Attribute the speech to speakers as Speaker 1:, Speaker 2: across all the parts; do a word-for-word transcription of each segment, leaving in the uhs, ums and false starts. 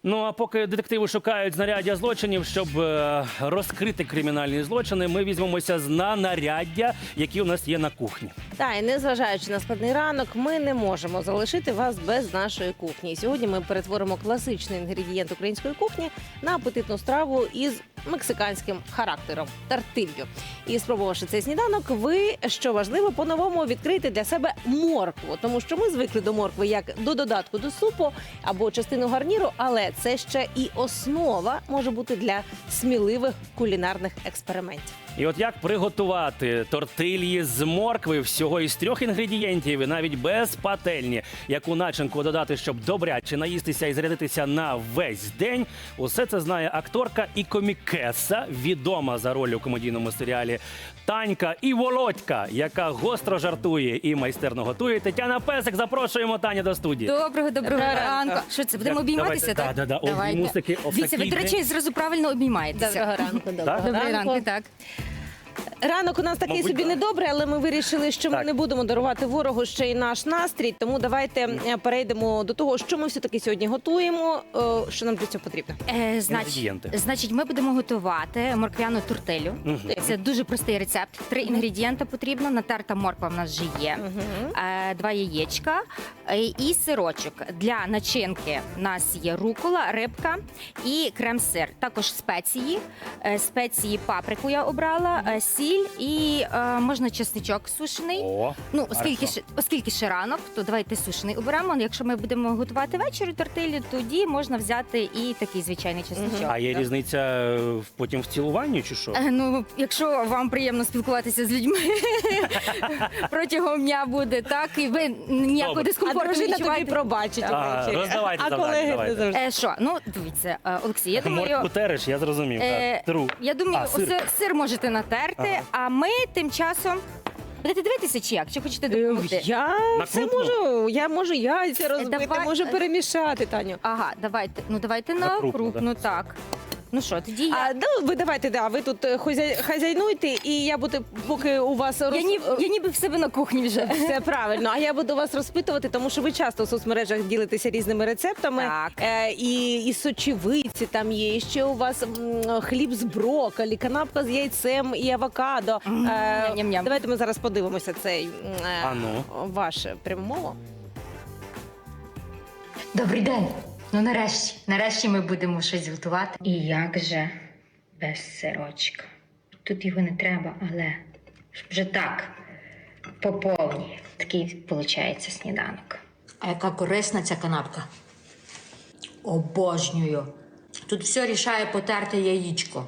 Speaker 1: Ну а поки детективи шукають знаряддя злочинів, щоб е, розкрити кримінальні злочини, ми візьмемося на наряддя, які у нас є на кухні.
Speaker 2: Та, і незважаючи на складний ранок, ми не можемо залишити вас без нашої кухні. І сьогодні ми перетворимо класичний інгредієнт української кухні на апетитну страву із мексиканським характером – тортилью. І спробувавши цей сніданок, ви, що важливо, по-новому відкрити для себе моркву. Тому що ми звикли до моркви як до додатку до супу або частину гарніру, але це ще і основа може бути для сміливих кулінарних експериментів.
Speaker 1: І от як приготувати тортильї з моркви всього із трьох інгредієнтів, і навіть без пательні, яку начинку додати, щоб добряче наїстися і зарядитися на весь день, усе це знає акторка і комікеса, відома за роль у комедійному серіалі Танька і Володька, яка гостро жартує і майстерно готує. Тетяна Песик, запрошуємо Таню до студії.
Speaker 3: Доброго, доброго ранку. Що це, будемо обійматися, так?
Speaker 1: Да, да, да. Обіймусики,
Speaker 3: Дивіться, ви, до речі, зразу правильно обіймаєтеся.
Speaker 2: Доброго ранку, доброго
Speaker 3: Доброго ранку, так.
Speaker 2: Ранок у нас такий
Speaker 1: Мабуть,
Speaker 2: собі
Speaker 1: так.
Speaker 2: недобрий, але ми вирішили, що ми
Speaker 1: Так.
Speaker 2: не будемо дарувати ворогу ще й наш настрій. Тому давайте е, перейдемо до того, що ми все-таки сьогодні готуємо, е, що нам для цього потрібно.
Speaker 3: Е, значить,
Speaker 1: Інгредієнти.
Speaker 3: значить, ми будемо готувати морквяну тортилю.
Speaker 1: Мгм.
Speaker 3: Це дуже простий рецепт. Три інгредієнти потрібно. Натерта морква в нас вже є. Е, два яєчка е, і сирочок. Для начинки в нас є рукола, рибка і крем-сир. Також спеції. Е, спеції паприку я обрала, е, сіль і е, можна чесничок сушений.
Speaker 1: О,
Speaker 3: Ну, оскільки
Speaker 1: хорошо.
Speaker 3: ще, оскільки ще ранок, то давайте сушений оберемо. Якщо ми будемо готувати ввечері тортилю, тоді можна взяти і такий звичайний чесничок.
Speaker 1: А є різниця е, потім в цілуванні чи що?
Speaker 3: Е, Ну, якщо вам приємно спілкуватися з людьми протягом дня буде, так, і ви ніякого
Speaker 1: Добре.
Speaker 2: А
Speaker 3: дискомфорту не
Speaker 2: дружина тобі
Speaker 3: відчуваєте.
Speaker 2: пробачить
Speaker 1: А,
Speaker 2: увечері.
Speaker 1: роздавайте
Speaker 2: А
Speaker 1: завдання,
Speaker 2: колеги
Speaker 1: давайте.
Speaker 2: не завжди.
Speaker 3: Е, Що? Ну, дивіться, е, Олексій, я думаю,
Speaker 1: Моркву тереш, я зрозумів.
Speaker 3: Е,
Speaker 1: Так. Тру.
Speaker 3: я думаю,
Speaker 1: А, сир.
Speaker 3: сир. сир можете натерти,
Speaker 1: Ага.
Speaker 3: а ми тим часом будете дивитися чи як? Чи хочете допомогти?
Speaker 2: Е, Я
Speaker 1: На
Speaker 2: все
Speaker 1: крупну?
Speaker 2: можу. Я можу яйця розбити,
Speaker 3: давай.
Speaker 2: можу перемішати, Таню.
Speaker 3: Ага, давайте. Ну давайте
Speaker 1: На
Speaker 3: на
Speaker 1: крупну,
Speaker 3: крупну, так. Ну що, тоді я.
Speaker 2: А ну ви давайте, да, ви тут е, хозяй- хазяйнуйте, і я буду, поки у вас роз...
Speaker 3: Я, ні, я ніби в себе на кухні вже.
Speaker 2: Все правильно. А я буду вас розпитувати, тому що ви часто в соцмережах ділитеся різними рецептами.
Speaker 3: Так.
Speaker 2: Е, і, і сочевиці там є, і ще у вас м, хліб з брокколі, канапка з яйцем і авокадо. Е,
Speaker 3: ням-ням-ням.
Speaker 2: давайте ми зараз подивимося цей м, е,
Speaker 1: А ну.
Speaker 2: ваше прямомово.
Speaker 4: Добрий день. Ну нарешті, нарешті ми будемо щось готувати. І як же без сирочка? Тут його не треба, але щоб вже так по повній. Такий виходить сніданок. А яка корисна ця канапка? Обожнюю. Тут все рішає потерте яєчко.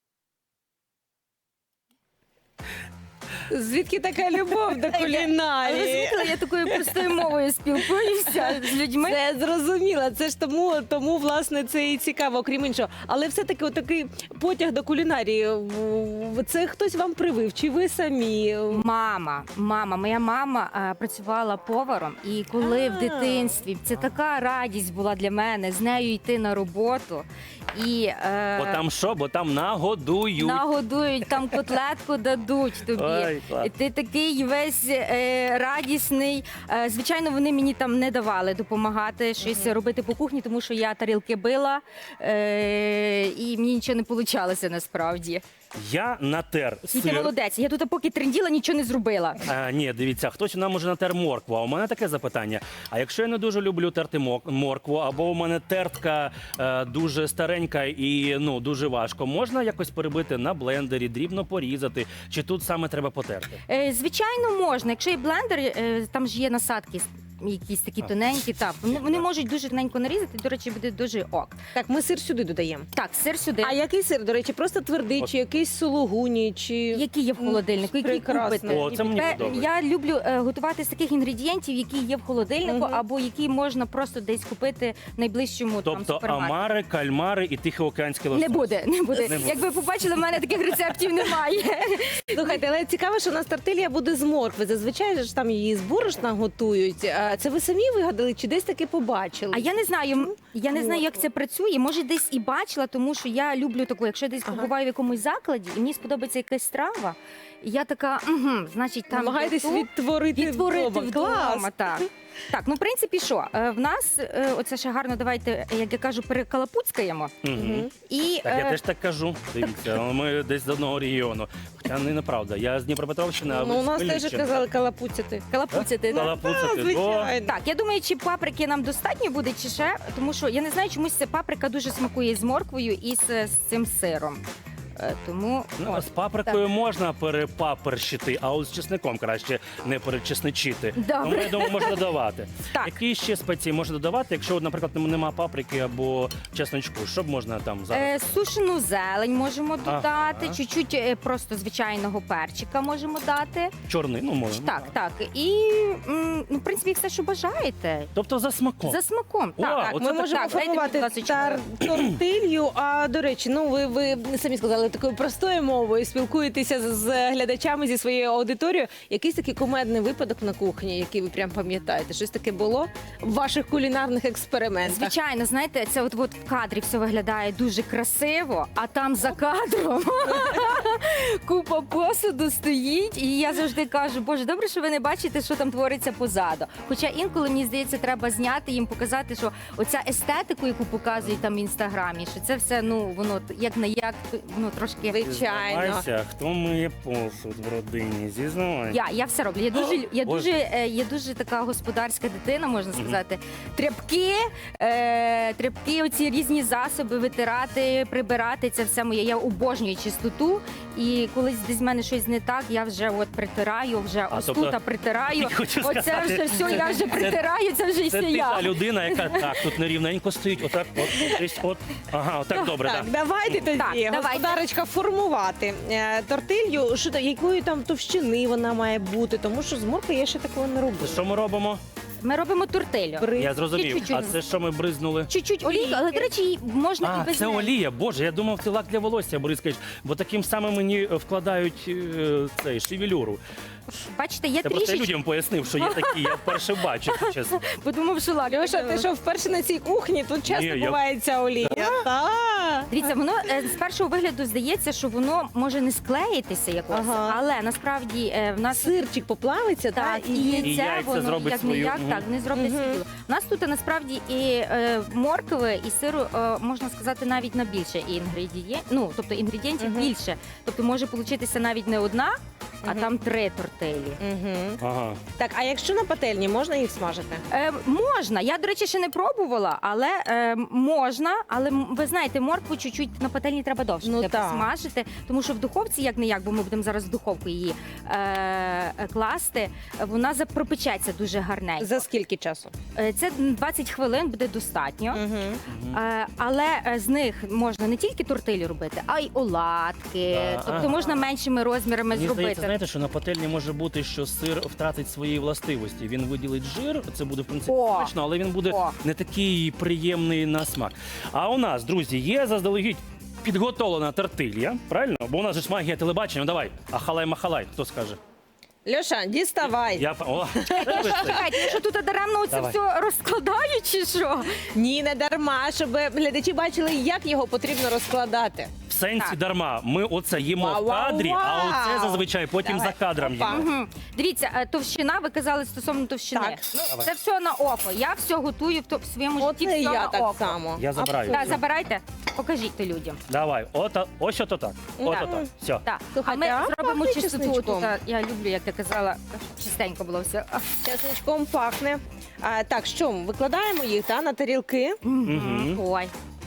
Speaker 2: Звідки така любов до
Speaker 3: Ви
Speaker 2: кулінарії?
Speaker 3: звикли, я такою простою мовою спілкуюся з людьми.
Speaker 2: Це зрозуміло. Це ж тому, тому власне це і цікаво, окрім іншого. Але все-таки отакий потяг до кулінарії. в- Це хтось вам привив? Чи ви самі?
Speaker 3: Мама, мама, моя мама е, працювала поваром, і коли
Speaker 2: А.
Speaker 3: в дитинстві це така радість була для мене з нею йти на роботу і е,
Speaker 1: Бо там що? Бо там нагодують.
Speaker 3: нагодують, там котлетку дадуть тобі.
Speaker 1: Ой, клас.
Speaker 3: І ти такий весь е, радісний. Е, звичайно, вони мені там не давали допомагати щось робити по кухні, тому що я тарілки била е, і мені нічого не получалося насправді.
Speaker 1: Я натер
Speaker 3: І ти
Speaker 1: сир.
Speaker 3: молодець. Я тут поки тренділа, нічого не зробила.
Speaker 1: А, ні, дивіться, хтось нам може натер моркву. А у мене таке запитання. А якщо я не дуже люблю терти мок- моркву, або у мене тертка е, дуже старенька і ну дуже важко, можна якось перебити на блендері, дрібно порізати? Чи тут саме треба потерти?
Speaker 3: Е, звичайно, можна. Якщо є блендер, е, там ж є насадки. Якісь такі тоненькі, так вони, вони можуть дуже тоненько нарізати. До речі, буде дуже ок.
Speaker 2: Так, ми сир сюди додаємо.
Speaker 3: Так, сир сюди.
Speaker 2: А який сир, до речі, просто твердий,
Speaker 1: От.
Speaker 2: чи якийсь сулугуні, чи
Speaker 3: Які є в холодильнику, які
Speaker 2: Прекрасно.
Speaker 3: купити.
Speaker 1: О, це мені
Speaker 3: Пе-
Speaker 1: подобається.
Speaker 3: Я люблю е, готувати з таких інгредієнтів, які є в холодильнику,
Speaker 2: Мгм.
Speaker 3: або які можна просто десь купити в найближчому там
Speaker 1: Тобто
Speaker 3: супермаркеті.
Speaker 1: омари, кальмари і тихоокеанський лосось.
Speaker 3: Не буде, не буде.
Speaker 1: Не буде.
Speaker 3: Як ви побачили, в мене таких рецептів немає.
Speaker 2: Слухайте, але цікаво, що у нас тортилья буде з моркви. Зазвичай ж там її з борошна готують. А це ви самі вигадали, чи десь таки побачили?
Speaker 3: А я не знаю, я не знаю, як це працює. Може, десь і бачила, тому що я люблю таку, якщо я десь
Speaker 2: Ага.
Speaker 3: побуваю в якомусь закладі, і мені сподобається якась страва, і я така, угу, значить, там
Speaker 2: намагаєтесь
Speaker 3: є то,
Speaker 2: відтворити,
Speaker 3: відтворити
Speaker 2: вдома.
Speaker 3: вдома.
Speaker 2: Клас.
Speaker 3: Так. Так, ну в принципі, що е, в нас е, оце ще гарно. Давайте, як я кажу, перекалапуцькаємо.
Speaker 1: Мгм.
Speaker 3: І
Speaker 1: Так, я
Speaker 3: е,
Speaker 1: теж так кажу. Дивіться, ми десь з одного регіону. Хоча не неправда. Я з Дніпропетровщини, а ви
Speaker 2: Ну, у
Speaker 1: з
Speaker 2: нас теж
Speaker 1: Хмельниччини.
Speaker 2: казали калапуцяти.
Speaker 3: калапуцяти. да?
Speaker 1: Калапуцати. О,
Speaker 2: Звичайно.
Speaker 3: Так, я думаю, чи паприки нам достатньо буде, чи ще, тому що я не знаю, чомусь ця паприка дуже смакує з морквою і з, з цим сиром. Е, Тому
Speaker 1: Ну,
Speaker 3: от.
Speaker 1: з паприкою можна перепаперщити, а от з чесником краще не перечесничити.
Speaker 3: Добре.
Speaker 1: Тому, я думаю, можна додавати.
Speaker 3: Так.
Speaker 1: Які ще спеції можна додавати, якщо, от, наприклад, нема паприки або чесночку? Що б можна там зараз?
Speaker 3: Е, сушену зелень можемо додати,
Speaker 1: Ага.
Speaker 3: чуть-чуть е, просто звичайного перчика можемо дати.
Speaker 1: Чорний, ну можна.
Speaker 3: Так, так. І м, ну, в принципі, все, що бажаєте.
Speaker 1: Тобто за смаком.
Speaker 3: За смаком.
Speaker 1: О,
Speaker 3: так, так.
Speaker 1: оце
Speaker 2: Ми
Speaker 1: так,
Speaker 2: можемо
Speaker 3: так, дайте,
Speaker 2: формувати
Speaker 3: будь ласка,
Speaker 2: тар тортилью. А до речі, ну ви, ви самі сказали такою простою мовою, спілкуєтеся з, з глядачами зі своєю аудиторією. Якийсь такий кумедний випадок на кухні, який ви прям пам'ятаєте? Щось таке було в ваших кулінарних експериментах?
Speaker 3: Звичайно, знаєте, це от, от в кадрі все виглядає дуже красиво, а там за кадром купа посуду стоїть, і я завжди кажу, боже, добре, що ви не бачите, що там твориться позаду. Хоча інколи, мені здається, треба зняти їм, показати, що оця естетику, яку показують там в інстаграмі, що це все, ну, воно як на як, ну, трошки...
Speaker 2: Звичайно.
Speaker 1: Зізнавайся, хто миє посуд в родині? Зізнавайся.
Speaker 3: Я, я все роблю. Я дуже, я
Speaker 1: Боже.
Speaker 3: дуже, е, я дуже така господарська дитина, можна сказати. Тряпки, е, тряпки, оці різні засоби витирати, прибирати. Це все моє. Я обожнюю чистоту. І коли десь в мене щось не так, я вже от притираю, вже
Speaker 1: А,
Speaker 3: ось
Speaker 1: тобто,
Speaker 3: тут притираю.
Speaker 1: хочу
Speaker 3: Оце
Speaker 1: сказати,
Speaker 3: вже все, я вже
Speaker 1: це-
Speaker 3: притираю, це вже і
Speaker 1: Це
Speaker 3: все
Speaker 1: ти
Speaker 3: я.
Speaker 1: та людина, яка так, тут нерівненько стоїть, отак, от, десь, от. Ага, отак добре,
Speaker 2: Так,
Speaker 1: так.
Speaker 2: давайте тоді,
Speaker 3: Так, давайте.
Speaker 2: господарочка, формувати е, тортилью. Що та- якої там товщини вона має бути? Тому що з моркви я ще такого не робила.
Speaker 1: Що ми робимо?
Speaker 3: Ми робимо тортилю.
Speaker 2: Бри-
Speaker 1: Я зрозумів.
Speaker 3: Чуть-чуть.
Speaker 1: А це що ми бризнули?
Speaker 3: Чуть-чуть олійки, але, до речі, її можна і
Speaker 1: А,
Speaker 3: без
Speaker 1: це
Speaker 3: неї.
Speaker 1: олія. Боже, я думав, ти лак для волосся бризкаєш, бо таким самим мені вкладають е, цей шевелюру.
Speaker 3: Бачите, я
Speaker 1: Це просто я
Speaker 3: трішечки
Speaker 1: людям пояснив, що є такі, я вперше бачив, чесно.
Speaker 3: подумав, що лак.
Speaker 2: Льоша, ти що вперше на цій кухні? Тут часто
Speaker 1: Ні, я-
Speaker 2: буває ця олія. Так.
Speaker 3: Дивіться, воно е, з першого вигляду здається, що воно може не склеїтися якось,
Speaker 2: Ага.
Speaker 3: але насправді е, в нас
Speaker 2: Сирчик поплавиться,
Speaker 3: так,
Speaker 2: так?
Speaker 3: і
Speaker 1: І
Speaker 3: яйце,
Speaker 1: яйця
Speaker 3: воно
Speaker 1: зробить
Speaker 3: як
Speaker 1: свою,
Speaker 3: не як
Speaker 1: мгм.
Speaker 3: так не зроблять
Speaker 2: Мгм.
Speaker 3: свою діло. У нас тут насправді і е, моркви, і сиру е, можна сказати навіть на більше інгредієнтів. Ну тобто інгредієнтів
Speaker 2: Мгм.
Speaker 3: більше. Тобто може получитися навіть не одна, а
Speaker 2: Мгм.
Speaker 3: там три тортилі.
Speaker 2: Угу.
Speaker 1: Ага.
Speaker 2: Так, а якщо на пательні, можна їх смажити?
Speaker 3: Е, можна. Я, до речі, ще не пробувала, але е, можна. Але м, ви знаєте, моркву чуть-чуть на пательні треба довше
Speaker 2: Ну,
Speaker 3: ну,
Speaker 2: так.
Speaker 3: смажити, тому що в духовці, як не як, бо ми будемо зараз в духовку її е, е, класти, вона запропечеться дуже гарненько.
Speaker 2: За скільки часу?
Speaker 3: Е, Це двадцять хвилин буде достатньо.
Speaker 2: Угу.
Speaker 3: Е, Але е, з них можна не тільки тортилі робити, а й оладки.
Speaker 1: Да,
Speaker 3: Тобто
Speaker 1: ага.
Speaker 3: можна меншими розмірами
Speaker 1: Мені
Speaker 3: зробити.
Speaker 1: здається, знаєте, що на пательні може бути, що сир втратить свої властивості. Він виділить жир, це буде в принципі
Speaker 3: О!
Speaker 1: смачно, але він буде
Speaker 3: О!
Speaker 1: не такий приємний на смак. А у нас, друзі, є заздалегідь підготовлена тортилья, правильно? Бо у нас же ж магія телебачення. Ну, давай, ахалай-махалай, хто скаже?
Speaker 2: Льоша, діставай.
Speaker 1: Я о,
Speaker 3: Чекайте, я що тут даремно це
Speaker 1: Давай.
Speaker 3: все розкладаю, чи що?
Speaker 2: Ні, не дарма, щоб глядачі бачили, як його потрібно розкладати.
Speaker 1: в сенсі
Speaker 3: Так.
Speaker 1: дарма. Ми оце їмо
Speaker 2: Вау,
Speaker 1: в
Speaker 2: вау,
Speaker 1: кадрі, а
Speaker 2: вау.
Speaker 1: оце зазвичай потім
Speaker 2: Давай.
Speaker 1: за кадром
Speaker 2: Опа.
Speaker 1: їмо.
Speaker 3: Мгм. Дивіться, е, товщина, ви казали стосовно товщини.
Speaker 2: Так.
Speaker 3: Ну,
Speaker 1: Давай.
Speaker 3: це все на око. Я все готую в, то- в своєму
Speaker 2: От
Speaker 3: житті,
Speaker 2: і
Speaker 3: все
Speaker 2: я
Speaker 3: на
Speaker 2: так
Speaker 3: око.
Speaker 2: само.
Speaker 1: Я забираю.
Speaker 3: Так, забирайте, покажіть то людям.
Speaker 1: Давай, ото, ось ото так. Ото
Speaker 2: Так.
Speaker 1: так. Все.
Speaker 3: Так.
Speaker 2: Слухайте,
Speaker 3: а
Speaker 2: а
Speaker 3: ми зробимо
Speaker 2: пахне
Speaker 3: чистоту.
Speaker 2: чесничком?
Speaker 3: Тут, я люблю, як ти казала, чистенько було все. А,
Speaker 2: Чесничком пахне. А, так, що, викладаємо їх та, на тарілки?
Speaker 1: Мгм.
Speaker 3: Ой,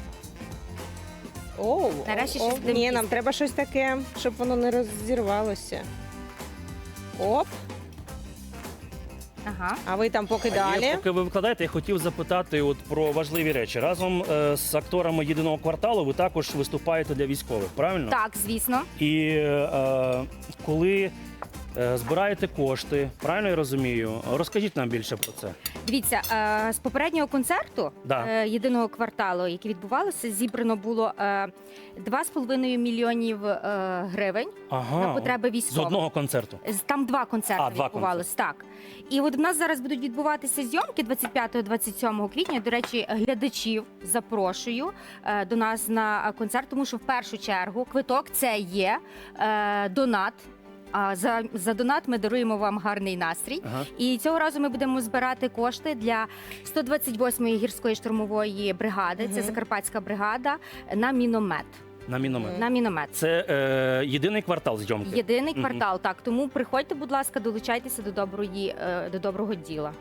Speaker 2: Оу,
Speaker 3: Нарешті
Speaker 2: оу,
Speaker 3: щось будемо
Speaker 2: Ні,
Speaker 3: їсти.
Speaker 2: нам треба щось таке, щоб воно не розірвалося. Оп,
Speaker 3: ага.
Speaker 2: а ви там поки
Speaker 1: А є,
Speaker 2: далі.
Speaker 1: поки ви викладаєте, я хотів запитати от про важливі речі. Разом е, з акторами єдиного кварталу ви також виступаєте для військових, правильно?
Speaker 3: Так, звісно.
Speaker 1: І е, коли е, збираєте кошти, правильно я розумію? Розкажіть нам більше про це.
Speaker 3: Дивіться, е, з попереднього концерту
Speaker 1: Да.
Speaker 3: е, єдиного кварталу, який відбувалося, зібрано було е, два з половиною мільйонів е, гривень
Speaker 1: Ага.
Speaker 3: на потреби
Speaker 1: З
Speaker 3: військових.
Speaker 1: одного концерту.
Speaker 3: З- Там два концерти
Speaker 1: А, два
Speaker 3: відбувалися. Так. І от в нас зараз будуть відбуватися зйомки двадцять п'ятого - двадцять сьомого квітня. До речі, глядачів запрошую е, до нас на концерт, тому що в першу чергу квиток це є е, донат. А за, за донат ми даруємо вам гарний настрій.
Speaker 1: Ага.
Speaker 3: І цього разу ми будемо збирати кошти для сто двадцять восьмої гірської штурмової бригади. Це
Speaker 2: Мгм.
Speaker 3: Закарпатська бригада на міномет.
Speaker 1: На міномет.
Speaker 3: На міномет.
Speaker 1: Це е, єдиний квартал зйомки.
Speaker 3: Єдиний
Speaker 1: Мгм.
Speaker 3: квартал. Так, тому приходьте, будь ласка, долучайтеся до доброї е, до доброго діла.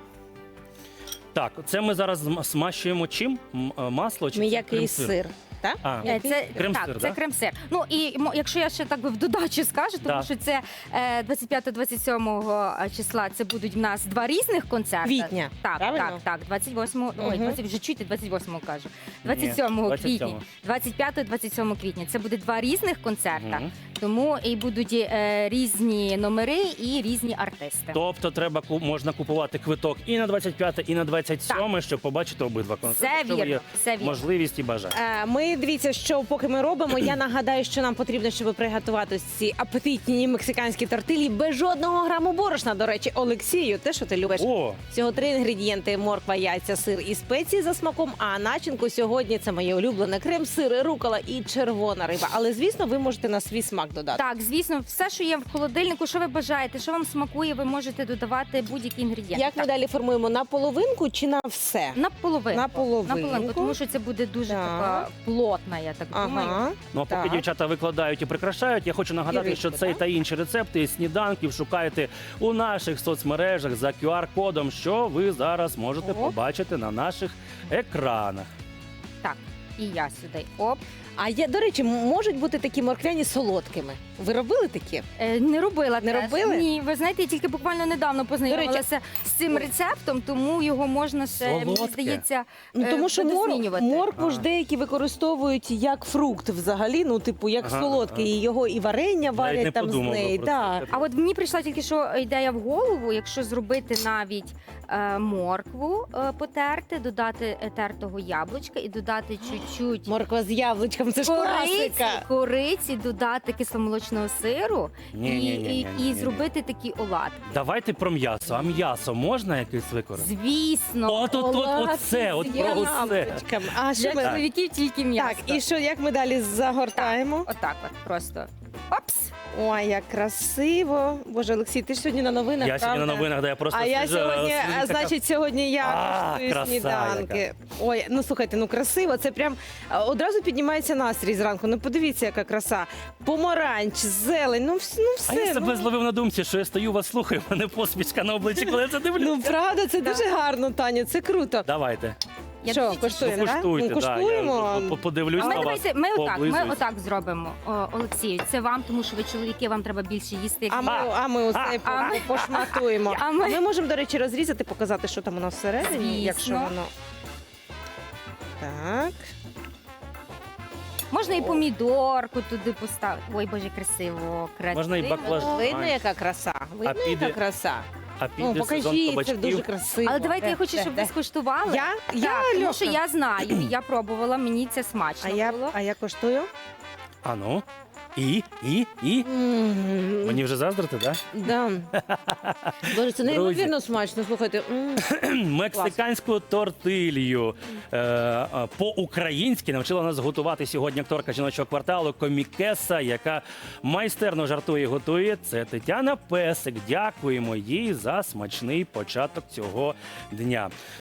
Speaker 1: Так, це ми зараз зм- смащуємо чим? М- е, Масло чи це
Speaker 2: М'який
Speaker 1: крем-сир?
Speaker 2: сир. Так?
Speaker 1: А,
Speaker 3: Е, Це
Speaker 1: Крем-сир,
Speaker 3: так,
Speaker 1: да?
Speaker 3: це крем-сир. Ну і мо- якщо я ще так би в додачу скажу, тому
Speaker 1: Да.
Speaker 3: що це е, двадцять п'ятого двадцять сьомого числа. Це будуть в нас два різних концерти.
Speaker 2: Квітня,
Speaker 3: Так,
Speaker 2: правильно?
Speaker 3: так, так. двадцять восьмого, ой,
Speaker 2: Мгм.
Speaker 3: двадцять, вже чуєте, двадцять восьмого кажу.
Speaker 1: Ні,
Speaker 3: двадцять сьомого
Speaker 1: двадцять
Speaker 3: квітня,
Speaker 1: сьомого.
Speaker 3: двадцять п'ятого двадцять сьомого квітня. Це буде два різних концерта.
Speaker 1: Мгм.
Speaker 3: Тому і будуть е, різні номери і різні артисти.
Speaker 1: Тобто треба ку- можна купувати квиток і на двадцять п'яте, і на двадцять сьоме, щоб побачити обидва концерти.
Speaker 3: Все
Speaker 1: якщо є
Speaker 3: вірно, все вірно.
Speaker 1: можливість і бажання.
Speaker 2: Е, Ми дивіться, що поки ми робимо. Я нагадаю, що нам потрібно, щоб приготувати ці апетитні мексиканські тортилі без жодного граму борошна. До речі, Олексію, те, що ти любиш.
Speaker 1: О,
Speaker 2: Всього три інгредієнти: морква, яйця, сир і спеції за смаком. А начинку сьогодні це моє улюблене крем-сир, рукола і червона риба. Але звісно, ви можете на свій смак додати.
Speaker 3: Так, звісно, все, що є в холодильнику, що ви бажаєте, що вам смакує, ви можете додавати будь-які інгредієнти.
Speaker 2: Як ми
Speaker 3: Так.
Speaker 2: далі формуємо на половинку чи на все?
Speaker 3: На половинку.
Speaker 2: На половинку.
Speaker 3: тому що це буде дуже
Speaker 2: Так.
Speaker 3: така плотна, я так думаю.
Speaker 2: Ага.
Speaker 1: ну а поки
Speaker 2: Так.
Speaker 1: дівчата викладають і прикрашають, я хочу нагадати,
Speaker 2: І
Speaker 1: що
Speaker 2: рибку,
Speaker 1: цей
Speaker 2: так?
Speaker 1: та інші рецепти сніданків шукаєте у наших соцмережах за кю ар-кодом, що ви зараз можете
Speaker 3: Оп.
Speaker 1: побачити на наших екранах.
Speaker 3: Так, і я сюди. Оп.
Speaker 2: А я, до речі, м- можуть бути такі морквяні солодкими. Ви робили такі?
Speaker 3: Е, не робила
Speaker 2: Не
Speaker 3: теж.
Speaker 2: робили?
Speaker 3: Ні, ви знаєте, я тільки буквально недавно познайомилася з цим рецептом, тому його можна ще, мені
Speaker 1: Солодке.
Speaker 3: здається,
Speaker 2: Ну,
Speaker 3: е,
Speaker 2: тому що мор...
Speaker 3: видозмінювати.
Speaker 2: моркву ж
Speaker 1: Ага.
Speaker 2: деякі використовують як фрукт взагалі, ну, типу, як
Speaker 1: Ага,
Speaker 2: солодкий.
Speaker 1: ага.
Speaker 2: І його і варення
Speaker 1: Навіть
Speaker 2: варять
Speaker 1: не
Speaker 2: там з
Speaker 1: подумав би
Speaker 2: неї.
Speaker 1: про
Speaker 2: Так.
Speaker 1: це.
Speaker 3: А от мені прийшла тільки що ідея в голову, якщо зробити навіть е, моркву е, потерти, додати е, тертого яблучка і додати чуть-чуть
Speaker 2: Морква з яблучком, це ж
Speaker 3: кориці,
Speaker 2: класика.
Speaker 3: кориці, додати кисломолочного сиру і,
Speaker 1: Ні-ні-ні-ні-ні-ні.
Speaker 3: і, і зробити такі оладки.
Speaker 1: Давайте про м'ясо. А м'ясо можна якесь використати?
Speaker 3: Звісно,
Speaker 1: От, от, от,
Speaker 2: Оладки
Speaker 1: оце, от
Speaker 2: з
Speaker 1: про оце.
Speaker 2: яблучком. А що
Speaker 3: для
Speaker 2: ми...
Speaker 3: чоловіків тільки м'ясо.
Speaker 2: Так, і що, як ми далі загортаємо?
Speaker 3: Отак от просто. Опс!
Speaker 2: Ой, як красиво. Боже, Олексій, ти ж сьогодні на новинах,
Speaker 1: Я сьогодні на
Speaker 2: правда?
Speaker 1: новинах, де я просто
Speaker 2: А я
Speaker 1: сижу,
Speaker 2: сьогодні,
Speaker 1: сидить
Speaker 2: а,
Speaker 1: така-
Speaker 2: значить, сьогодні я
Speaker 1: А,
Speaker 2: коштую
Speaker 1: краса
Speaker 2: сніданки.
Speaker 1: яка.
Speaker 2: Ой, ну слухайте, ну красиво. Це прям а, одразу піднімається настрій зранку. Ну подивіться, яка краса. Помаранч, зелень, ну, вс- ну
Speaker 1: А
Speaker 2: все.
Speaker 1: я себе
Speaker 2: ну,
Speaker 1: зловив на думці, що я стою, вас слухаю, в мене посмішка на обличчі, коли я це дивлюся.
Speaker 2: ну правда, це дуже гарно, Таню, це круто.
Speaker 1: Давайте.
Speaker 3: Я
Speaker 2: Що,
Speaker 3: дуже
Speaker 1: Ну,
Speaker 2: коштуємо, так?
Speaker 1: куштуйте,
Speaker 2: Ну,
Speaker 1: да,
Speaker 2: коштуємо.
Speaker 1: я по- подивлюсь
Speaker 3: А ми
Speaker 1: на вас.
Speaker 3: давайте, ми отак, ми
Speaker 1: пооблизуюсь.
Speaker 3: отак зробимо, О, Олексію. Це вам, тому що ви чоловіки, вам треба більше їсти. як
Speaker 2: А ми,
Speaker 3: ми.
Speaker 2: а ми оце
Speaker 1: А,
Speaker 2: по-
Speaker 3: а ми-
Speaker 2: пошматуємо.
Speaker 3: А ми-
Speaker 2: Ми можемо, до речі, розрізати, показати, що там у нас всередині,
Speaker 3: Звісно.
Speaker 2: якщо воно. Так.
Speaker 3: Можна і помідорку туди поставити. Ой, боже, красиво, красиво.
Speaker 1: Можна і баклажан.
Speaker 2: Видно, яка краса. Видно,
Speaker 1: піде-
Speaker 2: яка краса.
Speaker 1: А
Speaker 2: Ну,
Speaker 1: піде сезон
Speaker 2: покажіть, це
Speaker 1: кабачків.
Speaker 2: дуже красиво.
Speaker 3: Але давайте я хочу,
Speaker 2: Де,
Speaker 3: щоб
Speaker 2: де,
Speaker 3: ви
Speaker 2: де?
Speaker 3: скуштували.
Speaker 2: Я? Я,
Speaker 3: Так, тому
Speaker 2: Льоша?
Speaker 3: що я знаю, і я пробувала, мені це
Speaker 2: А
Speaker 3: смачно
Speaker 2: я,
Speaker 3: було.
Speaker 2: а я коштую?
Speaker 1: А ну. І, і, і.
Speaker 2: М,
Speaker 1: Мені вже заздрити, так?
Speaker 2: Да. Боже, це
Speaker 1: Друзі.
Speaker 2: неймовірно смачно. Слухайте. м.
Speaker 1: Мексиканську тортилью е, е, по-українськи навчила нас готувати сьогодні акторка жіночого кварталу Комікеса, яка майстерно жартує і готує. Це Тетяна Песик. Дякуємо їй за смачний початок цього дня.